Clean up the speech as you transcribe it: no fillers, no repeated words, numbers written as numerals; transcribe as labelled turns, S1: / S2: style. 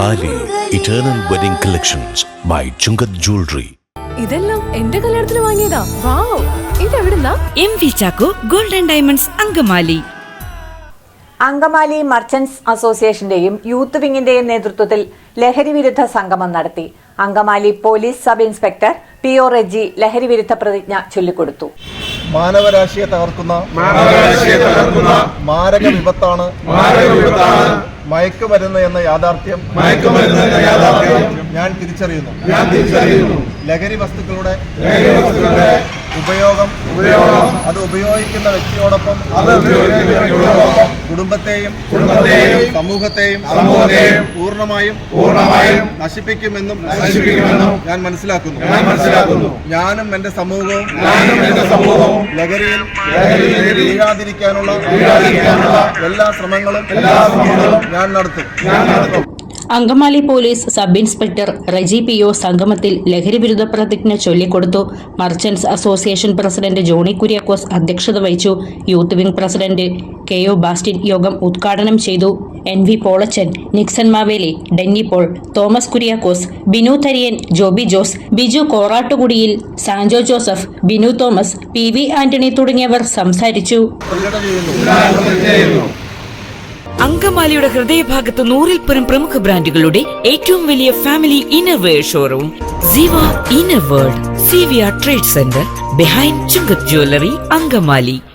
S1: താലി eternal wedding collections by Chungath jewellery.
S2: ഇതെല്ലാം എന്റെ കല്യാണത്തിന് വാങ്ങിയതാ. വാവ്, ഇതെവിടുന്നാ?
S3: MV Chacko golden diamonds Angamaly.
S4: Angamaly merchants അസോസിയേഷന്റെയും യൂത്ത് വിങ്ങിന്റെയും നേതൃത്വത്തിൽ ലഹരി വിരുദ്ധ സംഗമം നടത്തി. Angamaly police sub inspector PO Reji ലഹരി വിരുദ്ധ പ്രതിജ്ഞ ചൊല്ലിക്കൊടുത്തു.
S5: മാനവരാശിയെ തകർക്കുന്ന മാരക വിപത്താണ് മയക്കുമരുന്ന് എന്ന യാഥാർത്ഥ്യം ഞാൻ തിരിച്ചറിയുന്നു. ലഹരി വസ്തുക്കളുടെ ഉപയോഗം അത് ഉപയോഗിക്കുന്ന വ്യക്തിയോടൊപ്പം കുടുംബത്തെയും സമൂഹത്തെയും പൂർണ്ണമായും നശിപ്പിക്കുമെന്നും ഞാൻ മനസ്സിലാക്കുന്നു. ഞാനും എന്റെ സമൂഹവും ലഹരിയിൽ വീഴാതിരിക്കാനുള്ള എല്ലാ ശ്രമങ്ങളും ഞാൻ നടത്തും.
S6: Angamaly police sub inspector Reji PO സംഗമത്തിൽ ലഹരി വിരുദ്ധ പ്രതിജ്ഞ ചൊല്ലിക്കൊടുത്തു. Merchants association president Johnny Kuriakose അധ്യക്ഷത വഹിച്ചു. Youth wing president KO Bastin യോഗം ഉദ്ഘാടനം ചെയ്തു. NV പോളച്ചൻ, നിക്സൺ മാവേലി, ഡെന്നി പോൾ, തോമസ് കുര്യാക്കോസ്, ബിനു തരിയൻ, ജോബി ജോസ്, ബിജു കോറാട്ടുകുടിയിൽ, സാൻജോ ജോസഫ്, ബിനു തോമസ്, PV ആന്റണി തുടങ്ങിയവർ സംസാരിച്ചു.
S3: അങ്കമാലിയുടെ ഹൃദയഭാഗത്ത് 100-ൽ പരം പ്രമുഖ ബ്രാൻഡുകളുടെ ഏറ്റവും വലിയ family innerwear showroom Siva inner world, CVR trade centre behind Chungath jewellery, Angamaly.